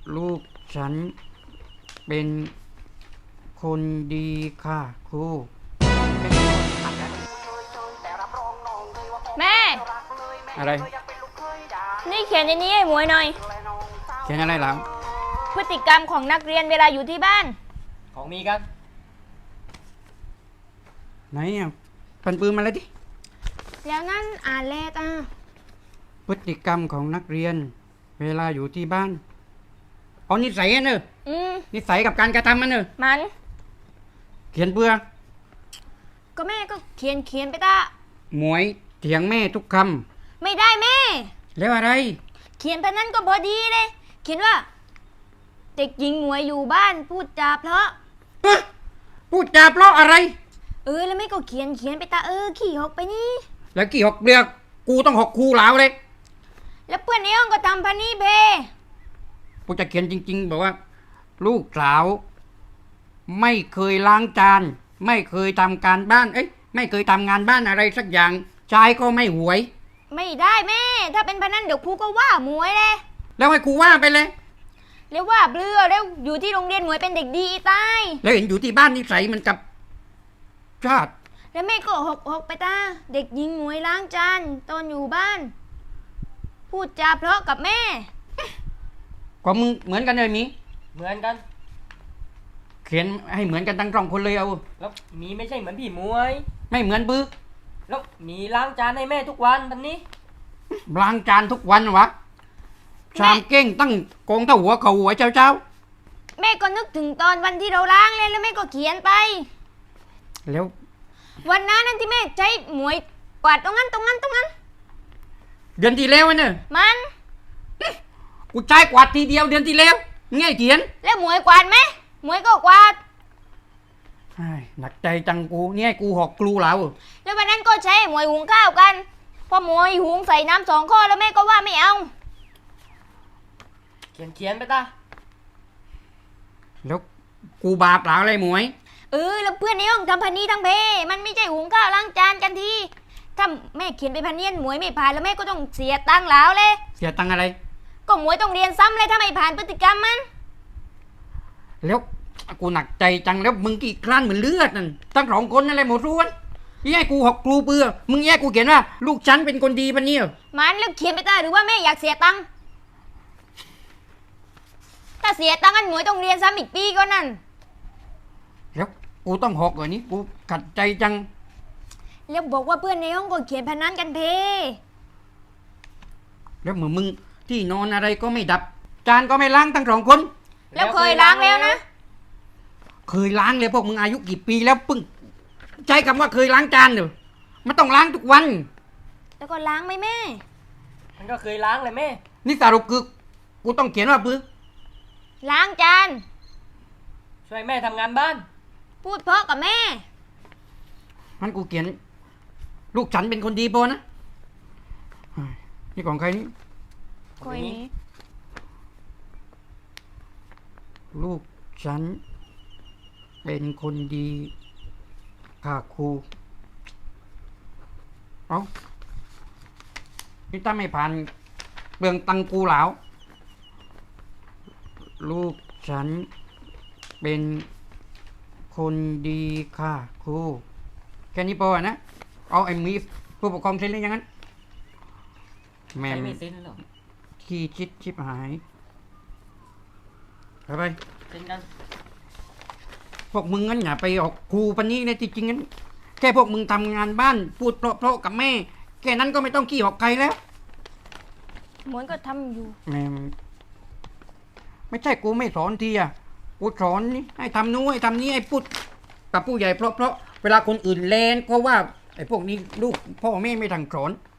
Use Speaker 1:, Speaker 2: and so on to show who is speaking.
Speaker 1: ลูกฉันเป็นคนดีค่ะครู
Speaker 2: แม่
Speaker 1: อะไร
Speaker 2: นี่เขียนในนี้ให้หมวยหน่อย
Speaker 1: เขียนอะไรหลัง
Speaker 2: พฤติกรรมของนักเรียนเวลาอยู่ที่บ้าน
Speaker 3: ของมีกัน
Speaker 1: ไหนอ่ะปันปืนมาเลยดิ
Speaker 2: แล้วนั่นอ่านแลก
Speaker 1: พฤติกรรมของนักเรียนเวลาอยู่ที่บ้านเอานิสัยเนอะนิสัยกับการกระทำมันเนอะ
Speaker 2: มัน
Speaker 1: เขียนเบื่อ
Speaker 2: ก็แม่ก็เขียนไปตา
Speaker 1: หมวยเถียงแม่ทุกค
Speaker 2: ำไม่ได้แม่
Speaker 1: แล้วอะไร
Speaker 2: เขียนไปนั้นก็พอดีเลยเขียนว่าเด็กหญิงหมวยอยู่บ้านพูดจาเพราะ
Speaker 1: พูดจาเพราะอะไร
Speaker 2: แล้วแม่ก็เขียนไปตาขี่หกไปนี่
Speaker 1: แล้วกี่หกเดือกกูต้องหกครูเหลาเลย
Speaker 2: แล้วเพื่อนในห้องก็ทำพันนี่เพ
Speaker 1: กูจะเขียนจริงๆบอกว่าลูกสาวไม่เคยล้างจานไม่เคยทำการบ้านไม่เคยทำงานบ้านอะไรสักอย่างชายก็ไม่หวย
Speaker 2: ไม่ได้แม่ถ้าเป็นพันนั้นเดี๋ยวครูก็ว่าหมวยเลย
Speaker 1: แล้วให้ครูว่าไปเลย
Speaker 2: แล้วว่าเบลือแล้วอยู่ที่โรงเรียนหมวยเป็นเด็กดีตาย
Speaker 1: แล้วเห็นอยู่ที่บ้านนิสัยมันกับชาติ
Speaker 2: แล้วแม่ก็หกไปตาเด็กหญิงหมวยล้างจานตอนอยู่บ้านพูดจาเพราะกับแม่
Speaker 1: ก็มึงเหมือนกันเลยมี
Speaker 3: เหมือนกัน
Speaker 1: เขียนให้เหมือนกันทั้งสองคนเลยเอา
Speaker 3: แล้วมีไม่ใช่เหมือนพี่มวย
Speaker 1: ไม่เหมือนปื้อ
Speaker 3: แล้วมีล้างจานให้แม่ทุกวันตอนนี้
Speaker 1: ล้างจานทุกวันวะชามเก้งตั้งกองเท่าหัวเขาหัวเจ้า
Speaker 2: แม่ก็นึกถึงตอนวันที่เราล้างเลยแล้วแม่ก็เขียนไป
Speaker 1: แล้ว
Speaker 2: วันนั้นที่แม่ใช้หมวยกวาดตรงนั้น
Speaker 1: เดือนที่แล้วเนี่ย
Speaker 2: มัน
Speaker 1: กูใช้กวาดทีเดียวเดือนที่แล้วง่ายเขียน
Speaker 2: แล้วหมวยกวาดไหมหมวยก็กวาด
Speaker 1: หนักใจจังกูเนี่ยกูหอกครูแล้ว
Speaker 2: แล้ววันนั้นก็ใช้หมวยหุงข้าวกันพอหมวยหุงใส่น้ำ2 ข้อแล้วแม่ก็ว่าไม่เอา
Speaker 3: เขียนไปตา
Speaker 1: แล้วกูบาปหลาอะไรหมวย
Speaker 2: แล้วเพื่อนในห้องทำพันนี้ทั้งเพมันไม่ใช่หุงข้าวล้างจานกันทีถ้าแม่เขียนไปพันเนียนหมวยไม่ผ่านแล้วแม่ก็ต้องเสียตังค์แล้วเลย
Speaker 1: เสียตังค์อะไร
Speaker 2: ก็หมวยต้องเรียนซ้ำเลยถ้าไม่ผ่านพฤติกรรมมัน
Speaker 1: แล้วกูหนักใจจังแล้วมึงกี่ครั้นเหมือนเลือดนั่นทั้งสองคนนั่นแหละหมดรู้วันแย่กูหอกครูเปื่อมึงแย่กูเขียนว่าลูกฉันเป็นคนดีปะเนี่ย
Speaker 2: มันแล้วเขียนไปตาหรือว่าแม่อยากเสียตังค์ถ้าเสียตังค์อันหมวยต้องเรียนซ้ำอีกปีก็นั่น
Speaker 1: แล้วกูต้องหอกเหรอนี้กูขัดใจจัง
Speaker 2: แล้วบอกว่าเพื่อนในห้องก็เขียนพนันกันเพ
Speaker 1: แล้วเหมือนมึงที่นอนอะไรก็ไม่ดับจานก็ไม่ล้างทั้งสองคน
Speaker 2: แล้วเคยล้างแล้วนะ
Speaker 1: เคยล้างเลยพวกมึงอายุกี่ปีแล้วปึ้งใช้คำว่าเคยล้างจานเหรอมันต้องล้างทุกวัน
Speaker 2: แล้วก็ล้างไหมแม่
Speaker 3: มันก็เคยล้างเลยแม่
Speaker 1: นี่สรุปคือกูต้องเขียนว่าปื้อ
Speaker 2: ล้างจาน
Speaker 3: ช่วยแม่ทำงานบ้าน
Speaker 2: พูดเพราะกับแม่
Speaker 1: มันกูเขียนลูกฉันเป็นคนดีโปนะนี่ของใครนี่
Speaker 2: คนนี้
Speaker 1: ลูกฉันเป็นคนดีค่ะครูเอานี่ถ้าไม่ผ่านเปลืองตังกูเหลาลูกฉันเป็นคนดีค่ะครูแค่นี้พอนะเอาไอ้มีผู้ปกครองเซ็นหรือยังงั้น
Speaker 3: แม่ไม่เซ็นหรอก
Speaker 1: ขี้ชิบหายไป
Speaker 3: เซ็นกัน
Speaker 1: พวกมึงงั้นอย่าไปออกครูปันนี้นะจริงๆงั้นแค่พวกมึงทำงานบ้านพูดเพราะกับแม่แค่นั้นก็ไม่ต้องขี้ออกใครแล้ว
Speaker 2: เหมือนก็ทำอยู่
Speaker 1: แม่ไม่ใช่กูไม่สอนทีอ่ะกูสอนนี่ให้ทำนู้นให้ทำนี้ให้พูดกับผู้ใหญ่เพราะเวลาคนอื่นเลนก็ว่าไอ้พวกนี้ลูกพ่อแม่ไม่ทังสอน